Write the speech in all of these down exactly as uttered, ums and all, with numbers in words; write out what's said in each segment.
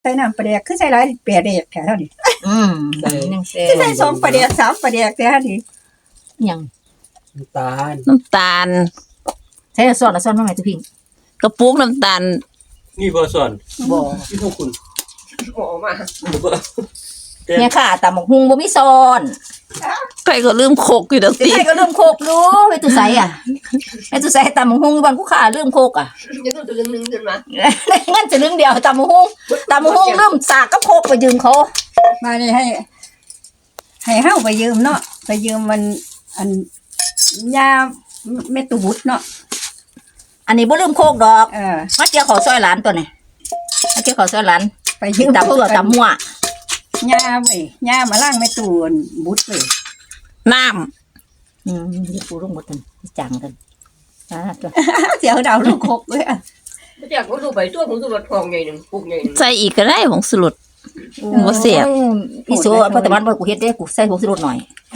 ใส่น้ำปลาแดกคือใส่หลายแปดแดกแค่เท่านี้อืมยังแซ่คือใส่สองปลาแดกสามปลาแดกแค่เท่านี้ยังน้ำตาลน้ำตาลใช้ซอสแล้วซอสมาใหม่ตุพิงกระปุกน้ำตาลนี่บ่ส่วนบ่ที่พวกคุณโอ้มาเนี่ยค่ะตำบักฮุงบ่มีซอนใครก็ลืมโคกอยู่ดอกติใครก็ลืมโคกรู้ไปตุไสอ่ะไปตุไสตำบักฮุงบ้านกูขาลืมโคกอ่ะยังต้องตึงนึงขึ้นมางั้นจะลืมเดียวตำบักฮุงตำบักฮุงลืมสากกับโคกไปยืมเขามานี่ให้ให้เฮาไปยืมเนาะไปยืมมันอันยาเม็ดตูบุตเนาะอันนี้บ่ลืมโคกดอกเออมาเกี่ยวขอซอยหลานตัวนี้มาเกี่ยวขอซอยหลานไปยืมตำตัวตำมั่วยาเว้ยยามาล้างเม็ดตูบุตเว้ยน้ำอืมเดี๋ยวกูลงหมดกันจังกันอ่าตัวเดี๋ยวดาวลูกโคกเว้ยไม่อยากรู้ดูไปตัวผมสุรทองใหญ่หนึ่งปุกใหญ่หนึ่งำใส่อีกก็ได้ผงสลุดบ่เสียบพี่โซ่เพราะแต่มันบ่กูเฮ็ดได้กูใส่ผงชูรสหน่อย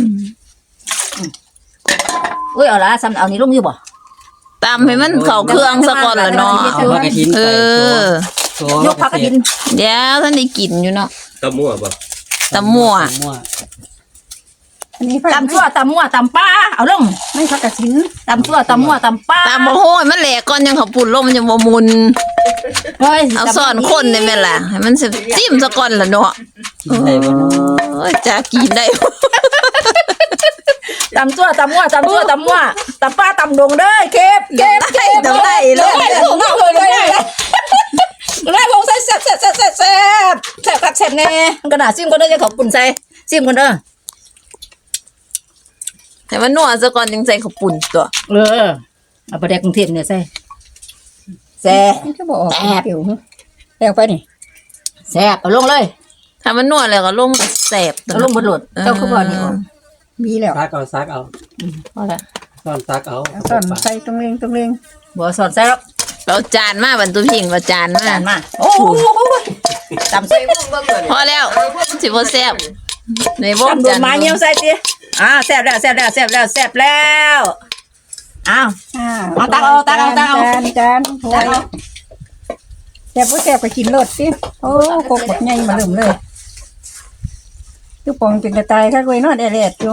อุ้ยเอาละซ้ำเอานี้ลงอยู่บ่ตำให้มันเข้าเครื่องซะก่อนล่ะเนาะเอาผักกระถินเออยกผักกระถินเดี๋ยวท่านได้กินอยู่เนาะตะมั่วบ่ตำมั่วอันนี้ตำชั่วตำมั่วตำป้าเอาลงไม่ผักกระถินตำชั่วตำมั่วตำป้าตำบ่โหยมันแหลกก่อนยังเขาปุ่นลงมันยังบ่มุนเฮ้ยเอาซ่อนคนได้แม่ล่ะให้มันสิจิ้มซะก่อนล่ะเนาะโอ้ยจะกินได้ตำชั่วตำมั่วตำชั่วตำมั่วตำป้าตำดงเด้อเก็บเก็บเก็บตำได้เลยไล่พงใส่แซ่บแซ่บแซ่บแซ่บแซ่บแซ่บคักแซ่บแน่กระดาษซิมก็ได้จะขอบคุณใส่ซิมกันเด้อให้มันนัวซะก่อนจึงใส่ข้าวปุ้นตัวเออเอาไปแดกกรุงเทพเนี่ยใส่แซ่บจะบอกแซ่บอยู่แซ่บไปนี่แซ่บเอาลงเลยถ้ามันนัวแล้วก็ลงแซ่บเอาลงบนรถเจ้าคือบ่นี่มีแล้วซักเอาซักเอาพอละซ่อนซักเอาซ่อนใส่ตรงเรงตรงเรงบ่สอนใส่แล้วเราจานมาบรรทุพิงเราจานมาจานมาโอ้โหตำใส่พอแล้วสิบ่แซ่บในบ่จานมาเงี้ยวใส่ติอ่าแซ่บแล้วแซ่บแล้วแซ่บแล้วแซ่บแล้วอ้าวเอาตักเอาตักเอาตักเอาจานจานโอ้ยแซ่บบ่แซ่บก็กินรสสิโอ้โคกบักใหญ่มาลืมเลยคือปองเป็นกระต่ายค่ะกล้วยนอดแดดๆอยู่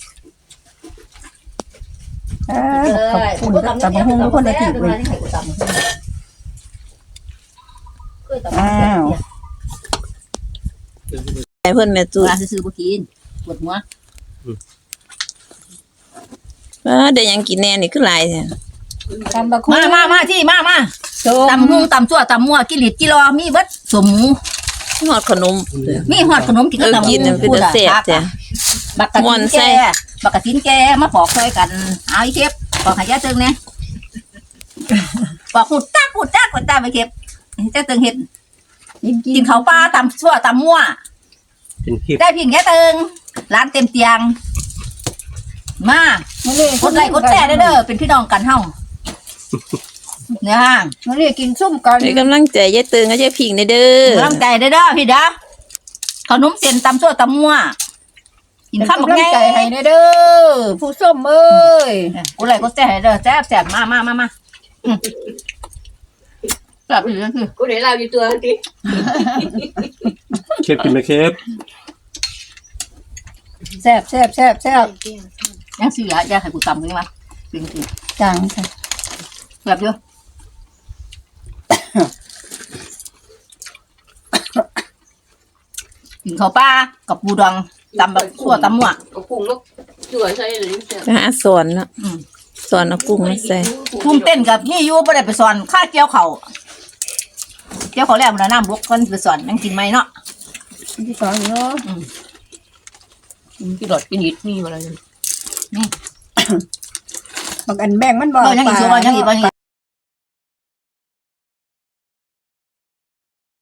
อ่าขอบคุณตำบักหุ่งทุกคนได้ติดไว้อ้าวให้เพิ่นแม่ตู้ซื้อๆบ่กินปวดหัวเออได้ยังกินแน่นี่คือหลายแท้ตำบักหุ่งมามามาที่มามาตำหุ่งตำซั่วตำมั่วกินหลิดกิโลมีเบิดสมหมูฮอดขนมมีฮอดขนมกินกับตำหุ่งคือจะแซ่บจ้ะบักกะทินแก่บักกะทินแก่มาปอกซอยกันเอาอีเก็บปอกให้ยาตึงแน่ปอกหุดตักหุดตักหุดตาไปเก็บเจ้าตึงเฮ็ดกินข้าวปลาตำซั่วตำมั่วได้พิงแค่ตึงร้านเต็มเตียงมากดไลค์กดแชร์เด้อเป็นพี่น้องกันเฮาเนี่ยฮะมื้อนี้กินซุ่มกันให้กำลังใจยายตึงกับยายพิงเด้อกำลังใจเด้อพี่เด้อขนมเส้นตำซั่วตำมั่วกินข้าวบักใหญ่ใจให้เด้อผู้ส้มเอ้ยกดไลค์กดแชร์เด้อแซ่บๆมามามามาแซ่บอีหลีคือกูเดี๋ยวเราอยู่ตัวทีเคฟกินไหมเคฟแซ่บแซ่บแซ่บแซ่บยังสิเหลืออย่าให้กูตำนี่มาจริงๆจังค่ะแบบเยอะกินข้าวปลากับปูดองตำแบบซั่วตำมั่วเอากุ้งแล้วจ่วยใส่เลยไปหาสอนเนาะสอนเอากุ้งมาใส่กุ้งเต้นกับนี่อยู่บ่ได้ไปสอนข้าเกี่ยวเขาเกี่ยวเขาแล้วมันน้ำบกก่อนไปสอนนั่งกินไหมเนาะที่สอนเนาะกินหลอดกินหิดนี่มาเลยนี่บางอันแบ่งมันบ่ยังอีกส่วนยังอีกบาง